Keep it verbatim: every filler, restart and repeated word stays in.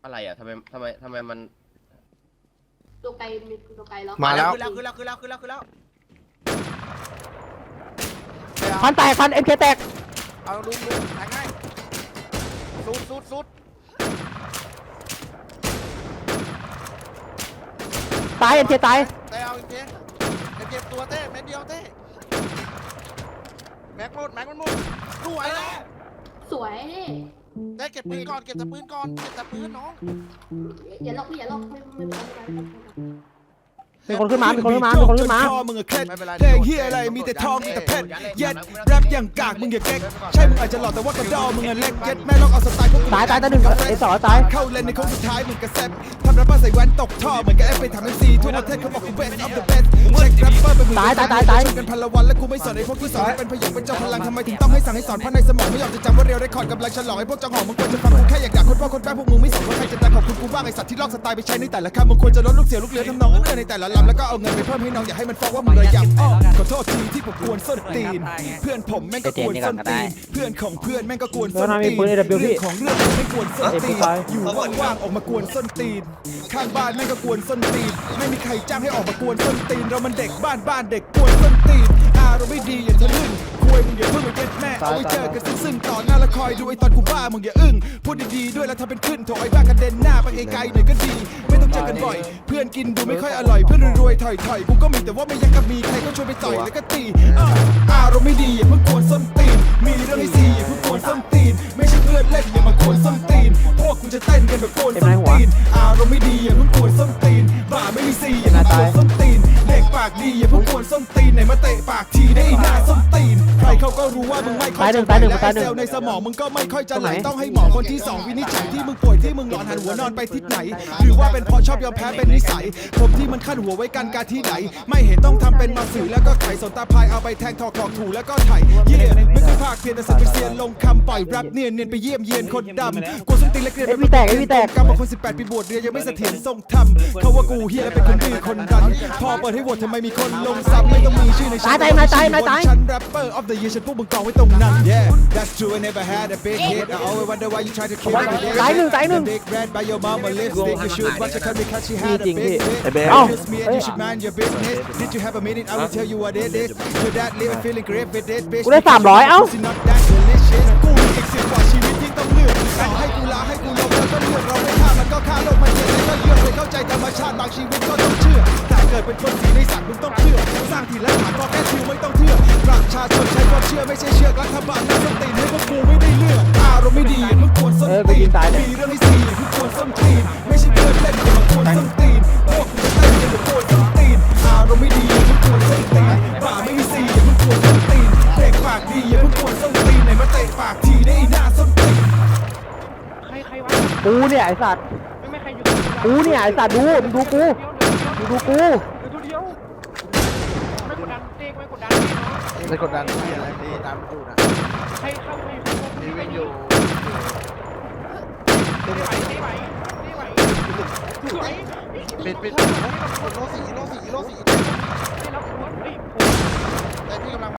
อะไรอ่ะทำไมทำไมทำไมมันตัวไกลมีตัวไกลแล้วมาแล้วขึ้นแล้วขึ้นแล้วขึ้นแล้วขึ้นแล้วขึ้นแล้วพันแตกพันเอ็มเคแตกเอาลุงลุงแทงให้สุดสุดสุดตายเอ็มเคตายเต้เอาเจ๊เก็บตัวเต้เม็ดเดียวเต้แม็กหมดแม็กมันหมดสวยแล้วสวยเต้เก็บปืนก่อนเก็บแต่ปืนก่อนเก็บแต่ปืนน้องอย่าล็อกพี่อย่าล็อกไม่ไม่ไม่ไม่มีคนขึ้นมามีคนขึ้นมามีคนขึ้นมามึงอะเคล็ดเพลงเฮียอะไรมีแต่ทองมีแต่เพชรเย็ดแรปอย่างกากมึงอย่าเก๊กใช่มึงอาจจะหล่อแต่ว่ากระดอมึงอะเล็กเย็ดแม่ลองเอาสไตล์พวกตายตายตายหนึ่งไอ้สองตายเข้าเลนในโค้งสุดท้ายเหมือนกับแซปทำแรปเปอร์ใส่แว่นตกท่อเหมือนกับเอฟไปทำเอ็มซีทั่วประเทศเขาบอกกู best of the best เช็คแรปเปอร์เป็นมือกันพันละวันแล้วกูไม่สนไอ้พวกที่สอนให้เป็นพยองเป็นเจ้าพลังทำไมถึงต้องให้สั่งให้สอนเพราะในสมองไม่ยอมจะจำว่าเรียวได้คอร์ดกำลังฉลองไอ้พวกจังหองมึงควรจะฟังกูแค่อยากด่าคนพ่อคนแม่พวกมึงไม่สนว่าใครจะดังขอบคุณกูบ้างไอ้สัตว์ที่ลอกสไตล์ไปใช้ในแต่ละคำมึงควรจะลดลูกเสียลูกเรือทำนองเอื้อในแต่ละลำแล้วก็เอาเงินไปเพิ่มให้น้องอย่าให้มันฟ้องว่ามึงระยำอ้อขอโทษทีที่ผมกวนส้นตีนเพื่อนผมแม่งก็กวนส้นตีนเพื่อนของเพื่อนแม่งก็กวนส้นตีนเรื่องของเรื่องไม่กวนส้นตีนอยู่ว่างๆออกมากวนส้นตีนข้างบ้านแม่งก็กวนส้นตีนไม่มีใครจ้างให้ออกมากวนส้นตีนเรามันเด็กบ้านบ้านเด็กกวนส้นตีนอารมณ์ไม่ดีอย่าทะลึ่งคุยมึงอย่าเพิ่งมาเย็ดแม่เอาไว้เจอกันซึ่งต่อหน้าละคอยดูไอ้ตอนกูบ้ามึงอย่าอึ้งพูดดีๆด้วยแล้วทำเป็นขึ้นโถไอ้บ้ากระเด็นหน้าไปไกลๆหน่อยก็ดีไม่ต้องเจอกันบ่อยเพื่อนกินดูไม่ค่อยอร่อยเพื่อนรวยๆถอยๆกูก็มีแต่ว่าไม่ยังกับมีใครก็ชวนไปต่อยแล้วก็ตีอารมณ์ไม่ดีอย่าเพิ่งกวนส้นตีนมีเรื่องให้ซีอย่าเพิ่งกวนส้นตีนไม่ใช่เพื่อนเล่นอย่ามากวนส้นตีนพวกกูจะเต้นกันแบบกวนส้นตีนอารมณ์ไม่ดีอย่าเพิ่งกวนส้นตีนบ้าไม่มีซีอย่าเพิ่งกวนส้นตีนเด็กปากดีอย่าเพิ่งกวนส้นตีนไหนมาเตะปากทีได้หน้าส้นตีนใครเขาก็รู้ว่ามึงไม่ค่อยจะไหวและไอเซลในสมองมึงก็ไม่ค่อยจะไหลต้องให้หมอคนที่สองวินิจฉัยที่มึงป่วยที่มึงนอนหันหัวนอนไปทิศไหนหรือว่าเป็นเพราะชอบยอมแพ้เป็นนิสัยผมที่มันขั้นหัวไว้กันการที่ไหนไม่เห็นต้องทำเป็นมาสื่อแล้วก็ไขสนตาพายเอาไปแทงถอกถอกถูแล้วก็ไถเย่ไม่เคยพากเพียนแต่สัตว์ไปเซียนลงคำปล่อยแรปเนียนเนียนไปเยี่ยมเยียนคนดำกูส้นตีนเล็กเรียนเป็นกรรมคนสิบแปดปีบวชเรียนยังไม่เสถียรทรงธรรมเขาว่ากูเฮียและเป็นคนดื้อคนดันพอเปิดให้โหวตทำไมมีคนลงซ้ำไม่ต้องมีชื่อในชั้นฉัน rapper of the year ฉันพวกมึงกองไว้ตรงนั้น yeah that's true I never had a big hit I always wonder why you try to keep me there ตายหนึ่งตายหนึ่ง big red by your mama lipstick you should watch her come because she had a big hit เอ้า just me and you should mind your business did you have a minute I will tell you what it is your dad living feeling great with this bitch กูได้สามร้อยเอ้า not that delicious กูมีอีกสิบกว่าชีวิตที่ต้องเลือกต่อให้กูลาให้กูลงแล้วก็เลือกเราไม่ฆ่ามันก็ฆ่าโลกมันเจ็บแล้วก็เลือกเลยเข้าใจธรรมชาติบางชีวิตก็ต้องเชื่อแต่เกิดเป็นคนสีในสัตว์มึงต้องเชื่อสร้างทีละฐานก็แค่ชิวไม่ต้องเชื่อประชาชนใช้ความเชื่อไม่ใช่เชื่อรัฐบาลน่าสติให้พวกกูไม่ได้เลือกอารมณ์ไม่ดีมึงควรส้นตีนมีเรื่องให้ซีมึงควรส้นตีนไม่ใช่เพื่อนเล่นมึงควรส้นตีนพวกกูจะเต้นกันแบบควรส้นตีนอารมณ์ไม่ดีมึงควรส้นตีนบ้าไม่มีซีมึงควรส้นตีนเด็กปากดีอย่ามึงควรส้นตีนไหนมาเตะปากทีได้หน้าส้นตีนใครใครวะกูเนี่ยไอ้สัตว์ไม่ไม่ใครอยู่กูเนี่ยไอ้สัตว์ดูมึงดูกูมึงดูกูเดี๋ยวตัวเดียวไม่กดดันเต้ไม่กดดันเต้เนาะไม่กดดันที่อะไรดีตามกูนะใครเข้าใครเข้าชีวิตอยู่เต้ไหวเต้ไหวเต้ไหวสวยปิดปิดโลสี่โลสี่โลสี่เต้รับหัวเฮ้ยแต่พี่กำลัง